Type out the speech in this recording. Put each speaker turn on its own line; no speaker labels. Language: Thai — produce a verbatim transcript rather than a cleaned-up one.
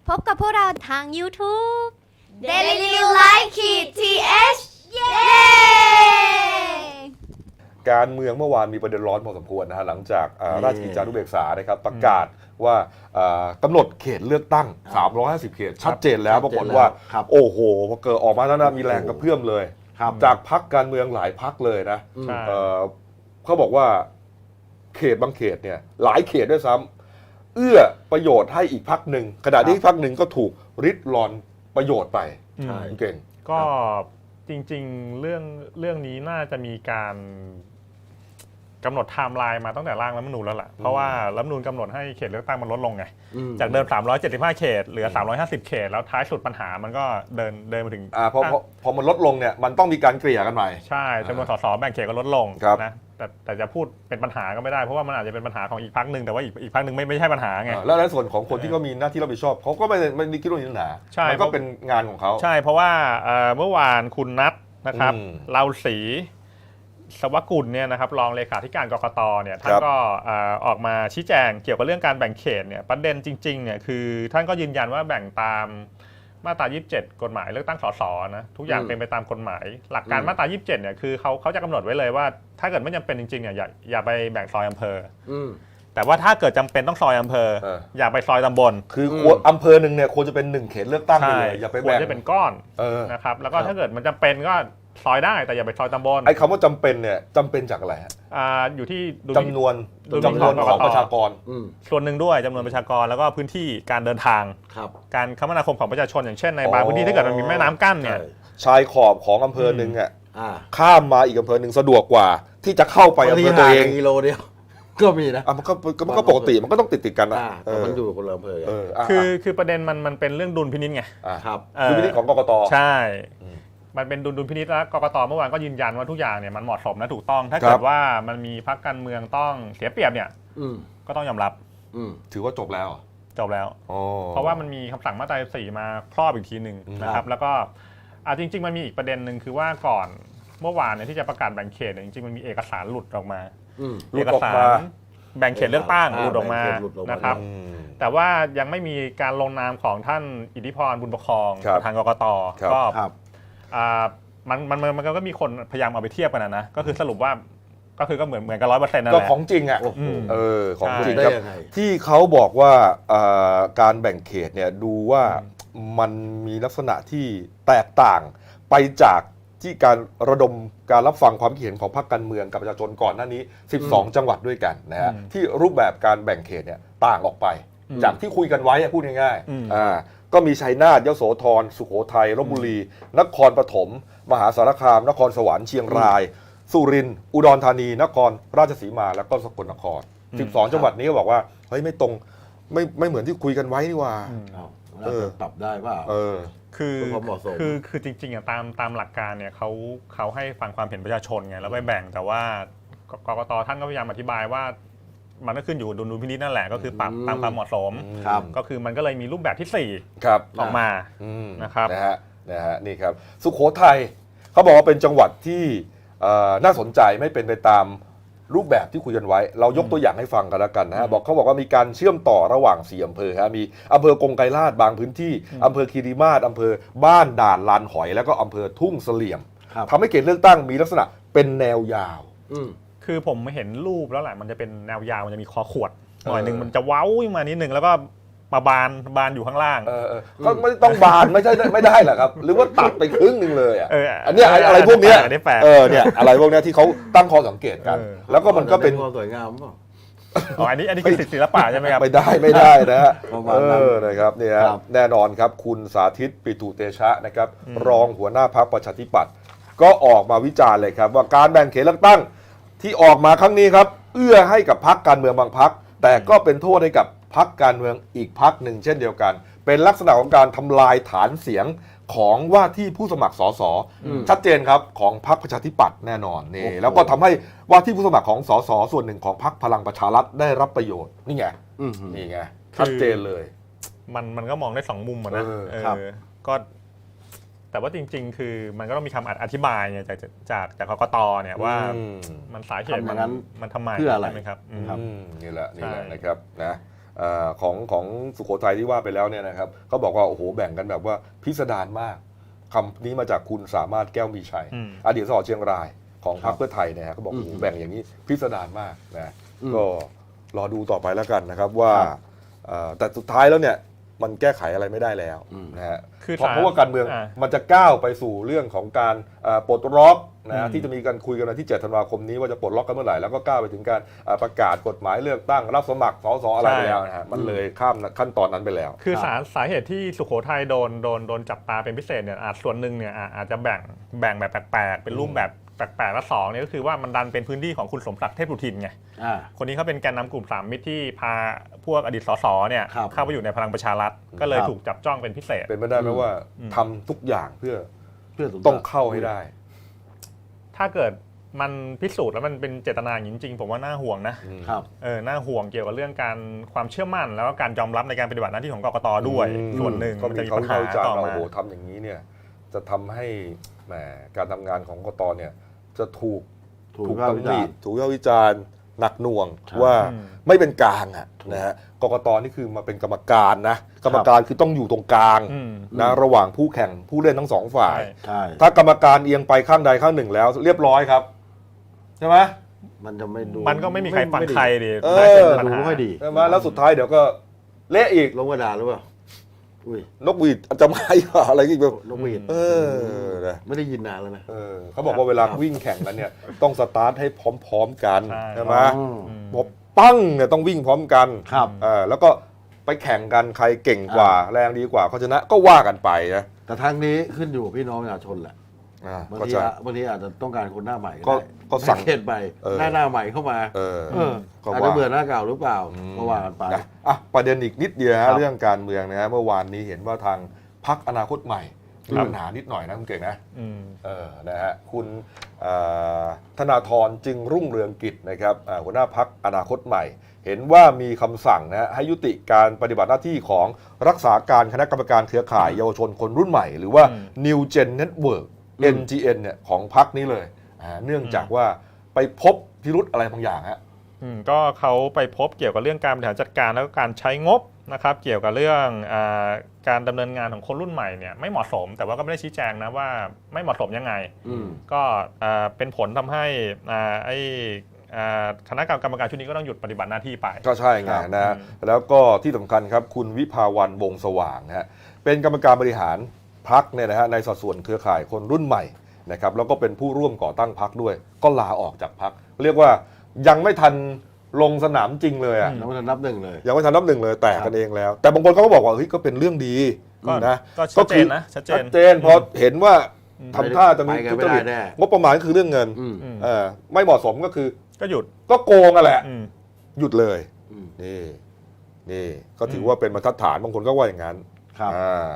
พบกับพวกเราทาง YouTube
Daily New Life ขีด ที เอช เย้
การเมืองเมื่อวานมีประเด็นร้อนพอสมควรนะฮะหลังจากราชกิจจานุเบกษานะครับประกาศว่ากำหนดเขตเลือกตั้งสามร้อยห้าสิบเขตชัดเจนแล้วปรากฏว่าโอ้โหพอเกิดออกมาแล้วนะมีแรงกระเพื่อมเลยจากพรรคการเมืองหลายพรรคเลยนะเขาบอกว่าเขตบางเขตเนี่ยหลายเขตด้วยซ้ำเอื้อประโยชน์ให้อีกพรรคหนึ่งขณะที่พรรคหนึ่งก็ถูกริดรอนประโยชน์ไปเก่ง
ก็จริงๆเรื่องเรื่องนี้น่าจะมีการกำหนดไทม์ไลน์มาตั้งแต่ร่างรัฐธรรมนูญแล้วล่ะเพราะว่ารัฐธรรมนูญกำหนดให้เขตเลือกตั้งมันลดลงไงจากเดิมสามร้อยเจ็ดสิบห้าเขตเหลือสามร้อยห้าสิบเขตแล้วท้ายสุดปัญหามันก็เดินเดินมาถึง
อ่าพอพอมันลดลงเนี่ยมันต้องมีการเกลี่ยกันใหม่
ใช่จำนวนสสแบ่งเขตก็ลดลงนะแต่แต่จะพูดเป็นปัญหาก็ไม่ได้เพราะว่ามันอาจจะเป็นปัญหาของอีกพรรคหนึ่งแต่ว่าอีกอีกพรรคหนึ่งไม่ไม่ใช่ปัญหาไง
แล้วในส่วนของคนที่เขามีหน้าที่รับผิดชอบเขาก็ไม่ไม่ได้คิดว่ามีปัญหามันก็เป็นงานของเขา
ใช่เพราะว่าเมื่อวานคุณนัทนะครับเราศรีสวกุลเนี่ยนะครับรองเลขาธิการกกตเนี่ยท่านก็ออกมาชี้แจงเกี่ยวกับเรื่องการแบ่งเขตเนี่ยประเด็นจริงๆเนี่ยคือท่านก็ยืนยันว่าแบ่งตามมาตรายี่สิบเจ็ดกฎหมายเลือกตั้งสสนะทุกอย่างเป็นไปตามกฎหมายหลักการมาตรายี่สิบเจ็ดเนี่ยคือเขาเขาจะกำหนดไว้เลยว่าถ้าเกิดไม่จำเป็นจริงๆเนี่ยอย่าอย่าไปแบ่งซอยอำเภอแต่ว่าถ้าเกิดจำเป็นต้องซอยอำเภออย่าไปซอยตำบล
คืออำเภอหนึ่งเนี่ยควรจะเป็นหนึ่งเขตเลือกตั้งเลยอย่าไปแบ่ง
ควรจะเป็นก้อนนะครับแล้วก็ถ้าเกิดมันจำเป็นก็ซอยได้แต่อย่าไปซอยตำบล
ไอ้คำว่าจำเป็นเนี่ยจำเป็นจากอะไรฮะ
อ่าอยู่ที่
จำนวนจำนวนของประชากร
ส่วนหนึ่งด้วยจำนวนประชากรแล้วก็พื้นที่การเดินทางการคมนาคมของประชาชนอย่างเช่นในบางพื้นที่ถ้าเกิดมันมีแม่น้ำกั้นเนี่ย
ชายขอบของอำเภอหนึ่งอ่ะข้ามมาอีกอำเภอหนึ่งสะดวกกว่าที่จะเข้าไปอำเภอตัวเอง
กิโลเดียวก็มีนะ
มันก็มันก็ปกติมันก็ต้องติดติดกันนะ
มันอยู่คนละอำเภอ
คือคือประเด็นมันมันเป็นเรื่องดุลพินิจไง
ครับดุลพินิจของกกต
ใช่มันเป็นดุลดุลพินิจแล้วกกตเมื่อวานก็ยืนยันว่าทุกอย่างเนี่ยมันเหมาะสมและถูกต้องถ้าเกิดว่ามันมีพรรคการเมืองต้องเสียเปรียบเนี่ยก็ต้องยอมรับ
ถือว่าจบแล้ว
จบแล้วเพราะว่ามันมีคำสั่งมาตราสี่มาครอบอีกทีหนึ่งนะครับแล้วก็จริงๆมันมีอีกประเด็นหนึ่งคือว่าก่อนเมื่อวานเนี่ยที่จะประกาศแบ่งเขตจริงๆมันมีเอกสารหลุดออกมาเอกสารแบ่งเขตเลือกตั้งหลุดออกมานะครับแต่ว่ายังไม่มีการลงนามของท่านอิทธิพรบุญประคองทางกกตก็มันมันมันก็มีคนพยายามเอาไปเทียบกันนะก็คือสรุปว่าก็คือก็เหมือนเหมือนกันร้อยเปอร์เซ็นต์นั่นแหละ
ก็ของจริงอ่ะเออของจริงครับที่เขาบอกว่าการแบ่งเขตเนี่ยดูว่ามันมีลักษณะที่แตกต่างไปจากที่การระดมการรับฟังความคิดเห็นของพรรคการเมืองกับประชาชนก่อนหน้านี้สิบสองจังหวัดด้วยกันนะฮะที่รูปแบบการแบ่งเขตเนี่ยต่างออกไปจากที่คุยกันไว้พูดง่ายๆอ่าก็มีชัยนาทยโสธรสุโขทัยลพบุรีนครปฐมมหาสารคามนครสวรรค์เชียงรายสุรินทร์อุดรธานีนครราชสีมาแล้วก็สกลนครสิบสองจังหวัดนี้ก็บอกว่าเฮ้ยไม่ตรงไม่ไม่เหมือนที่คุยกันไว้นี่ว่า
เออปรับได้ป่ะ
เออ
คือคือคือจริงๆอ่ะตามตามหลักการเนี่ยเขาเขาให้ฟังความเห็นประชาชนไงแล้วไปแบ่งแต่ว่ากกตท่านก็พยายามอธิบายว่ามันก็ขึ้นอยู่ดุลพินิจนั่นแหละก็คือปรับตามความเหมาะสมก็คือมันก็เลยมีรูปแบบที่สี่ออกมานะครับ
นะฮะนะฮะนี่ครับสุโขทัยเขาบอกว่าเป็นจังหวัดที่น่าสนใจไม่เป็นไปตามรูปแบบที่คุยกันไว้เรายกตัวอย่างให้ฟังกันแล้วกันนะฮะบอกเขาบอกว่ามีการเชื่อมต่อระหว่างสี่อำเภอฮะมีอำเภอกงไกรลาษฎร์บางพื้นที่อำเภอคีรีมาศอำเภอบ้านด่านลานหอยแล้วก็อำเภอทุ่งเสลี่ยมทำให้เขตเลือกตั้งมีลักษณะเป็นแนวยาว
คือผมเห็นรูปแล้วแหละมันจะเป็นแนวยาวมันจะมีคอขวดหน่อยหนึ่งมันจะเว้ามานิดนึงแล้วก็มาบานบานอยู่ข้างล่าง
ก็ไม่ต้องบานไม่ใช่ไม่ได้หรอครับหรือว่าตัดไปครึ่งนึงเลยอ่ะอันนี้อะไรพวกนี้เออเนี่ยอะไรพวกนี้ที่เขาตั้งข้อสังเกตกันแล้วก็มันก็เป็น
ความสวยงามป่ะ
อ๋ออันนี้อันนี้คือศิลปะใช่ไหมครับ
ไม่ได้ไม่ได้นะฮะเออนะครับเนี่ยแน่นอนครับคุณสาธิตปิตุเตชะนะครับรองหัวหน้าพรรคประชาธิปัตย์ก็ออกมาวิจารณ์เลยครับว่าการแบ่งเขตเลือกตั้งที่ออกมาครั้งนี้ครับเอื้อให้กับพรรคการเมืองบางพรรคแต่ก็เป็นโทษให้กับพรรคการเมืองอีกพรรคหนึ่งเช่นเดียวกันเป็นลักษณะของการทำลายฐานเสียงของว่าที่ผู้สมัครสสชัดเจนครับของพรรคประชาธิปัตย์แน่นอนนี่แล้วก็ทำให้ว่าที่ผู้สมัครของสสส่วนหนึ่งของพรรคพลังประชารัฐได้รับประโยชน์นี่ไงนี่ไงชัดเจนเลย
มันมันก็มองได้สองมุมนะก็แต่ว่าจริงๆคือมันก็ต้องมีคำอธิบายเนี่ยจากจากจากกกตเนี่ยว่ามันสาเหตุมันมันทำไม
เพื่ออะไร
ไหมครับ
นี่แหละนี่แหละนะครับเอ่อของของสุโขทัยที่ว่าไปแล้วเนี่ยนะครับเขาบอกว่าโอ้โหแบ่งกันแบบว่าพิสดารมากคำนี้มาจากคุณสามารถแก้วมีชัย
อืม
อดีตสสเชียงรายของพรรคเพื่อไทยเนี่ยเขาบอก
อืม
โอ้โหแบ่งอย่างนี้พิสดารมากนะ
อืม
ก็รอดูต่อไปแล้วกันนะครับว่า
ครับ
เอ่อแต่สุดท้ายแล้วเนี่ยมันแก้ไขอะไรไม่ได้แล้ว
อืม
นะฮะ
คือ
เพราะ
ศล
เพราะว่าการเมือง
อ่า
มันจะก้าวไปสู่เรื่องของการเอ่อปลดล็อกนะ
อืม
ที่จะมีการคุยกันวันที่เจ็ดธันวาคมนี้ว่าจะปลดล็อกกันเมื่อไหร่แล้วก็ก้าวไปถึงการเอ่อประกาศกฎหมายเลือกตั้งรับสมัครสสอะไรไปแล้วนะฮะมันเลยข้ามขั้นตอนนั้นไปแล้ว
คือสาสาเหตุที่สุโขทัยโดนโดนโดนจับตาเป็นพิเศษเนี่ยอาจส่วนหนึ่งเนี่ยอาอาจจะแบ่งแบ่งแบบแปลกๆเป็นรูปแบบแปลกๆและสองเนี่ยก็คือว่ามันดันเป็นพื้นที่ของคุณสมศักดิ์เทพสุทินไง
อ่า
คนนี้เขาเป็นแกนนำกลุ่มสามมิตรที่พาพวกอดีตสสเนี่ย
ครับ
เข้าไปอยู่ในพลังประชารัฐก็เลย
ครับ
ถูกจับจ้องเป็นพิเศษ
เป็นไปได้ไหมว่า
อืม
ทำทุกอย่างเพื่อ
เพื่อสมศักดิ์
ต้องเข้าให้ได้
ถ้าเกิดมันพิสูจน์แล้วมันเป็นเจตนาอย่างนี้จริงๆผมว่าน่าห่วงนะครับ เออน่าห่วงเกี่ยวกับเรื่องการความเชื่อมั่น แล้วก็การยอมรับในการปฏิบัติหน้าที่ของกกตด้วย
อืม
ส่วนหนึ่ง
ก็
มัน
มี
จะมี
เขา
ปัญหา
เข้าใจ
ต่อ
ว่า
มา
โอ้โหทำอย่างนี้เนี่ยจะทำให้แหมการทำงานของกกตเนี่ยจะถูก
ถูก
ถูก
วิพากษ์
ตำ
วิ
หนิ
จารณ์
ถูกวิพากษ์วิจารณ์หนักหน่วง
ใช่
ว่า
อืม
ไม่เป็นกลางอ่ะ
ถูก
นะฮะกกตนี่คือมาเป็นกรรมการนะกรรมการคือต้องอยู่ตรงกลาง
อืม
นะระหว่างผู้แข่งผู้เล่นทั้งสองฝ่าย
ใช่
ใช่
ถ้ากรรมการเอียงไปข้างใดข้างหนึ่งแล้ว เรียบร้อยครับใช่ไหม
มันจะไม่ดู
มันก็ไม่มีใครฟังใครดิ
เออ
น่าจะมีปัญ
ดู
หา
ไม่ค่อยดี
ใช่ไหมแล้วสุดท้ายเดี๋ยวก็เละอีก
ลงกระดาษหรือเปล่าอุ้ย
นกหวีดอาจจะมาอีกว่าอะไรอีกแบบ
นกหวีด
เออนะ
ไม่ได้ยินนานแล้วนะ
เออเขาบอกว่าเวลาวิ่งแข่งกันเนี่ยต้องสตาร์ทให้พร้อมๆกัน
ใช่
ใช่ไหม
อืม
อืม
พอปั้งเนี่ยต้องวิ่งพร้อมกัน
ครับ
เออแล้วก็ไปแข่งกันใครเก่งกว่า แรงดีกว่าเขาชนะก็ว่ากันไปนะ
แต่ทางนี้ขึ้นอยู่กับพี่น้องประชาชนแหละ
อ่า
บาง
ก็
ที
จะ
อะบางทีอาจจะต้องการคนหน้าใหม่
ก็
ได้
ก็สั่ง
หน้าเขตใหม่
เออ
หน้าหน้าใหม่เข้ามา
เออ
เออ
ก็
อาจ
ว่า
จะเบื่อหน้าเก่าหรือเปล่า
อืม
ก็ว่ากันไป
นะอ่ะประเด็นอีกนิดเดียว
ครั
ฮะ
บ
เรื่องการเมืองนะฮะเมื่อวานนี้เห็นว่าทางพรรคอนาคตใหม่มี
ครับ
ปัญหานิดหน่อยนะคุณเก่งนะ
อืม
เออ นะฮะ คุณเอ่อธนาธรจึงรุ่งเรืองกิจนะครับอ่าหัวหน้าพักอนาคตใหม่ เห็นว่ามีคำสั่งนะฮะให้ยุติการปฏิบัติหน้าที่ของรักษาการคณะกรรมการเครือข่ายเยาวชนคนรุ่นใหม่ หรือว่า
อืม
New Gen Network
อืม
เอ็น จี เอ็น เนี่ยของพักนี้เลยอ่าเนื่องจากว่าไปพบพิรุธอะไรบางอย่างฮะ
อืมก็เขาไปพบเกี่ยวกับเรื่องการบริหารจัดการแล้วก็การใช้งบนะครับเกี่ยวกับเรื่องอาการดำเนินงานของคนรุ่นใหม่เนี่ยไม่เหมาะสม แต่ว่าก็ไม่ได้ชี้แจงนะว่าไม่เหมาะสมยังไง
อืม
ก็อ่าเป็นผลทำให้อ่าไอ้อ่าคณะกรรมการชุดนี้ก็ต้องหยุดปฏิบัติหน้าที่ไป
ก็ใช่ไง
ครับ
นะฮะ
อืม
แล้วก็ที่สำคัญครับคุณวิภาวันวงศ์สว่างนะฮะเป็นกรรมการบริหารพักเนี่ยนะฮะในสัดส่วนเครือข่ายคนรุ่นใหม่นะครับแล้วก็เป็นผู้ร่วมก่อตั้งพักด้วย ก็ลาออกจากพักเรียกว่ายังไม่ทันลงสนามจริงเลยอ่ะ
แล้วมันนับหนึ่งเลย
ยังไม่ทันนับหนึ่งเลยแตกกันเองแล้ว แต่บางคนเขาก็บอกว่าเฮ้ยก็เป็นเรื่องดี
ก็
นะ
ก็ชัดเจนนะชัดเจน
ชัดเจนพอเห็นว่าทำท่าจะมี
ไปกัน
ทุ
ไม่
จ
ได้
ริต
แน่
งบประมาณก็คือเรื่องเงิน
อืม
อืม
เออไม่เหมาะสมก็คือ
ก็หยุด
ก็โกงอ่ะแหละ
อืม
หยุดเลย
อืม
นี่นี่ก็ถือว่าเป็นบรรทัดฐานบางคนก็ว่าอย่างนั้น
ครับ
อ่า